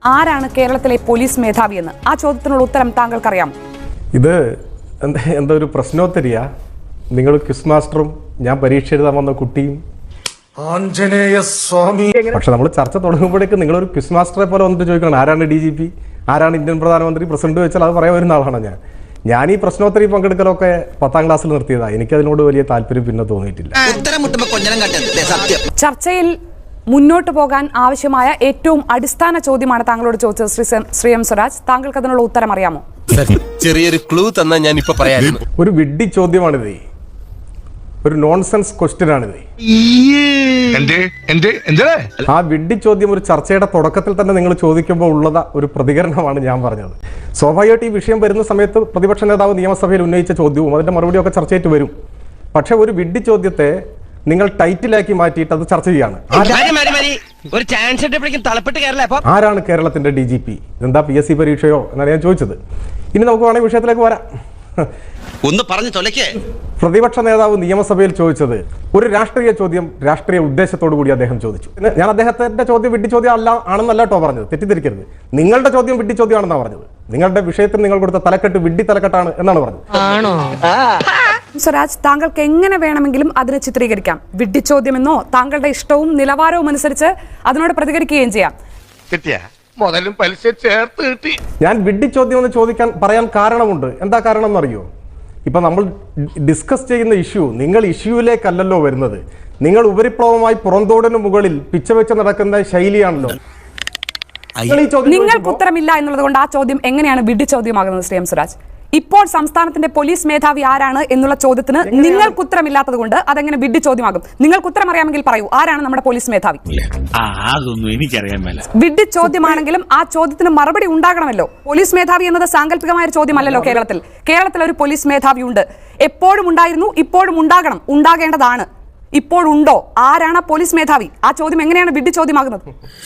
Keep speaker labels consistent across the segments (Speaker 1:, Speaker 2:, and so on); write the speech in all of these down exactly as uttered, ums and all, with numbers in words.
Speaker 1: ആരാണ് കേരളത്തിലെ പോലീസ് മേധാവി എന്ന് ആ ചോദ്യത്തിനുള്ള ഉത്തരം താങ്കൾക്കറിയാം?
Speaker 2: ഇത് എന്താ എന്താ ഒരു പ്രശ്നോത്തരിയാ? നിങ്ങൾ ക്വിസ് മാസ്റ്ററും ഞാൻ പരീക്ഷ എഴുതാൻ വന്ന കുട്ടിയും
Speaker 3: ആഞ്ജനേയ സ്വാമി.
Speaker 2: പക്ഷെ നമ്മൾ ചർച്ച തുടങ്ങുമ്പോഴേക്കും നിങ്ങളൊരു ക്വിസ് മാസ്റ്ററെ പോലെ വന്നിട്ട് ചോദിക്കണം ആരാണ് ഡി ജി പി, ആരാണ് ഇന്ത്യൻ പ്രധാനമന്ത്രി, പ്രസിഡന്റ് വെച്ചാൽ അത് പറയാൻ വരുന്ന ആളാണ് ഞാൻ. ഞാൻ ഈ പ്രശ്നോത്തരി പങ്കെടുക്കലൊക്കെ പത്താം ക്ലാസ്സിൽ നിർത്തിയതാണ്. എനിക്കതിനോട് വലിയ താല്പര്യം പിന്നെ തോന്നിയിട്ടില്ല.
Speaker 1: ചർച്ചയിൽ മുന്നോട്ട് പോകാൻ ആവശ്യമായ ഏറ്റവും അടിസ്ഥാന ചോദ്യമാണ് താങ്കളോട് ചോദിച്ചത് ശ്രീ ശ്രീ എം സ്വരാജ്. താങ്കൾക്ക് അതിനുള്ള ഉത്തരം അറിയാമോ?
Speaker 4: ചെറിയൊരു ക്ലൂ തന്നാ ഞാൻ ഇപ്പൊ പറയാം.
Speaker 2: ഒരു വിഡ്ഢി ചോദ്യമാണിത്, ഒരു നോൺസെൻസ് ക്വസ്റ്റ്യൻ ആണിത്. ആ വിഡ്ഢി ചോദ്യം ഒരു ചർച്ചയുടെ തുടക്കത്തിൽ തന്നെ നിങ്ങൾ ചോദിക്കുമ്പോൾ ഉള്ളത് ഒരു പ്രതികരണമാണ് ഞാൻ പറഞ്ഞത്. സ്വാഭാവികമായിട്ട് ഈ വിഷയം വരുന്ന സമയത്ത് പ്രതിപക്ഷ നേതാവ് നിയമസഭയിൽ ഉന്നയിച്ച ചോദ്യവും അതിന്റെ മറുപടിയൊക്കെ ചർച്ചയായിട്ട് വരും. പക്ഷെ ഒരു വിഡ്ഢി ചോദ്യത്തെ നിങ്ങൾ ടൈറ്റിലാക്കി മാറ്റിയിട്ട് അത് ചർച്ച ചെയ്യാണ്. ആരാണ് കേരളത്തിന്റെ ഡി ജി പി? എന്താ പി എസ് സി പരീക്ഷയോ എന്നാണ് ഞാൻ ചോദിച്ചത്. ഇനി നമുക്ക് വേണമെങ്കിൽ വിഷയത്തിലേക്ക് വരാം.
Speaker 4: ഒന്ന് പറഞ്ഞു തൊലക്കേ.
Speaker 2: പ്രതിപക്ഷ നേതാവ് നിയമസഭയിൽ ചോദിച്ചത് ഒരു രാഷ്ട്രീയ ചോദ്യം രാഷ്ട്രീയ ഉദ്ദേശത്തോടു കൂടി അദ്ദേഹം ചോദിച്ചു. ഞാൻ അദ്ദേഹത്തിന്റെ ചോദ്യം വിഡ്ഢി ചോദ്യം അല്ല ആണെന്നല്ല കേട്ടോ പറഞ്ഞത്, തെറ്റിദ്ധരിക്കരുത്. നിങ്ങളുടെ ചോദ്യം വിഡ്ഢി ചോദ്യമാണെന്നാണ് പറഞ്ഞത്. നിങ്ങളുടെ വിഷയത്തിന് നിങ്ങൾ കൊടുത്ത തലക്കെട്ട് വിഡ്ഢി തലക്കെട്ടാണ് എന്നാണ് പറഞ്ഞത്.
Speaker 1: സ്വരാജ്, താങ്കൾക്ക് എങ്ങനെ വേണമെങ്കിലും അതിനെ ചിത്രീകരിക്കാം. വിഡ്ഢി ചോദ്യമെന്നോ താങ്കളുടെ ഇഷ്ടവും നിലവാരവും അനുസരിച്ച് അതിനോട് പ്രതികരിക്കുകയും ചെയ്യാം.
Speaker 3: മുതലും പലിശ ചേർത്ത് കിട്ടി.
Speaker 2: ഞാൻ വിഡ്ഢി ചോദ്യം എന്ന് ചോദിക്കാൻ പറയാൻ കാരണമുണ്ട്. എന്താ കാരണം എന്നറിയോ? ഇപ്പൊ നമ്മൾ ഡിസ്കസ് ചെയ്യുന്ന ഇഷ്യൂ നിങ്ങൾ ഇഷ്യൂവിലേക്കല്ലല്ലോ വരുന്നത്. നിങ്ങൾ ഉപരിപ്ലവമായി പുറന്തോടിന് മുകളിൽ പിച്ച വെച്ച് നടക്കുന്ന ശൈലിയാണല്ലോ.
Speaker 1: നിങ്ങൾക്ക് ഉത്തരമില്ല എന്നുള്ളത് കൊണ്ട് ആ ചോദ്യം എങ്ങനെയാണ് വിഡ്ഢി ചോദ്യമാകുന്നത് ശ്രീ എം സ്വരാജ്? ഇപ്പോൾ സംസ്ഥാനത്തിന്റെ പോലീസ് മേധാവി ആരാണ് എന്നുള്ള ചോദ്യത്തിന് നിങ്ങൾക്ക് ഉത്തരമില്ലാത്തത് കൊണ്ട് അതെങ്ങനെ വിഡ്ഢി ചോദ്യമാകും? നിങ്ങൾക്ക് ഉത്തരം അറിയാമെങ്കിൽ പറയൂ, ആരാണ് നമ്മുടെ പോലീസ് മേധാവി? വിഡ്ഢി ചോദ്യമാണെങ്കിലും ആ ചോദ്യത്തിന് മറുപടി ഉണ്ടാകണമല്ലോ. പോലീസ് മേധാവി എന്നത് സാങ്കല്പികമായ ഒരു ചോദ്യമല്ലല്ലോ. കേരളത്തിൽ കേരളത്തിൽ ഒരു പോലീസ് മേധാവി ഉണ്ട്, എപ്പോഴും ഉണ്ടായിരുന്നു, ഇപ്പോഴും ഉണ്ടാകണം, ഉണ്ടാകേണ്ടതാണ്. ഇപ്പോഴുണ്ടോ? ആരാണ് പോലീസ് മേധാവി? ആ ചോദ്യം എങ്ങനെയാണ് വിഡ്ഢി ചോദ്യമാകുന്നത്?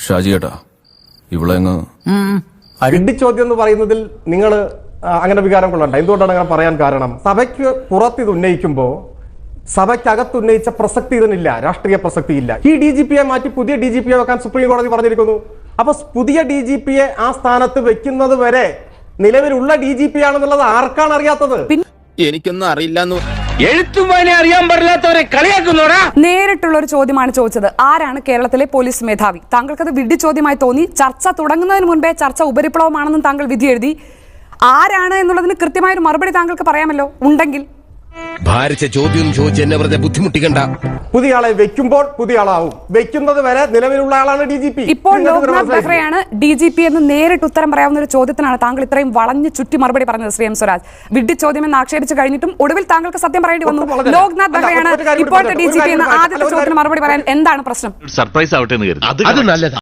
Speaker 2: വിഡ്ഢി ചോദ്യം എന്ന് പറയുന്നതിൽ നിങ്ങൾ അങ്ങനെ വികാരം കൊള്ളണ്ട. എന്തുകൊണ്ടാണ് അങ്ങനെ പറയാൻ കാരണം? സഭയ്ക്ക് പുറത്ത് ഇത് ഉന്നയിക്കുമ്പോൾ സഭയ്ക്കകത്ത് ഉന്നയിച്ച പ്രസക്തി ഇതിനില്ല, രാഷ്ട്രീയ പ്രസക്തി ഇല്ല. ഈ ഡി ജി പിയെ മാറ്റി പുതിയ ഡി ജി പിയെ വെക്കാൻ സുപ്രീം കോടതി പറഞ്ഞിരിക്കുന്നു. അപ്പൊ പുതിയ ഡി ജി പിയെ ആ സ്ഥാനത്ത് വെക്കുന്നത് വരെ നിലവിലുള്ള ഡി ജി പി ആണെന്നുള്ളത് ആർക്കാണ് അറിയാത്തത്?
Speaker 4: എനിക്കൊന്നും അറിയില്ലെന്ന് എഴുത്തുവാനെ അറിയാൻ പാടില്ലാത്തവരെ കളിയാക്കുന്നോടാ.
Speaker 1: നേരിട്ടുള്ള ഒരു ചോദ്യമാണ് ചോദിച്ചത്, ആരാണ് കേരളത്തിലെ പോലീസ് മേധാവി? താങ്കൾക്കത് വിഡ്ഢി ചോദ്യമായി തോന്നി. ചർച്ച തുടങ്ങുന്നതിന് മുൻപേ ചർച്ച ഉപരിപ്ലവമാണെന്നും താങ്കൾ വിധി എഴുതി. ആരാണ് എന്നുള്ളതിന് കൃത്യമായൊരു മറുപടി താങ്കൾക്ക് പറയാമല്ലോ ഉണ്ടെങ്കിൽ.
Speaker 4: ഭാരിച്ച ചോദ്യം ചോദിച്ച് എന്നെ വെറുതെ ബുദ്ധിമുട്ടിക്കണ്ട.
Speaker 2: പുതിയ ആളെ വെക്കുമ്പോൾ പുതിയ ആളാവും, വെക്കുന്നത് വരെ നിലവിലുള്ള ആളാണ് ഡി ജി പി.
Speaker 1: ഇപ്പോൾ ലോക്നാഥ് ബെഹ്റയാണ് ഡി ജി പി എന്ന് നേരിട്ട് ഉത്തരം പറയാവുന്ന ഒരു ചോദ്യത്തിനാണ് താങ്കൾ ഇത്രയും വളഞ്ഞു ചുറ്റി മറുപടി പറഞ്ഞത് ശ്രീ എം സ്വരാജ്. വിഡ്ഢി ചോദ്യം എന്ന് ആക്ഷേപിച്ചു കഴിഞ്ഞിട്ടും ഒടുവിൽ താങ്കൾക്ക് സത്യം പറയേണ്ടി വന്നു. ലോക്നാഥ് ബെഹ്റയാണ് ഇപ്പോഴത്തെ ഡി ജി പി എന്ന് ആദ്യത്തെ ചോദ്യത്തിന് മറുപടി പറയാൻ എന്താണ് പ്രശ്നം?
Speaker 5: സർപ്രൈസ് ആവട്ടെ എന്ന് കരുതി.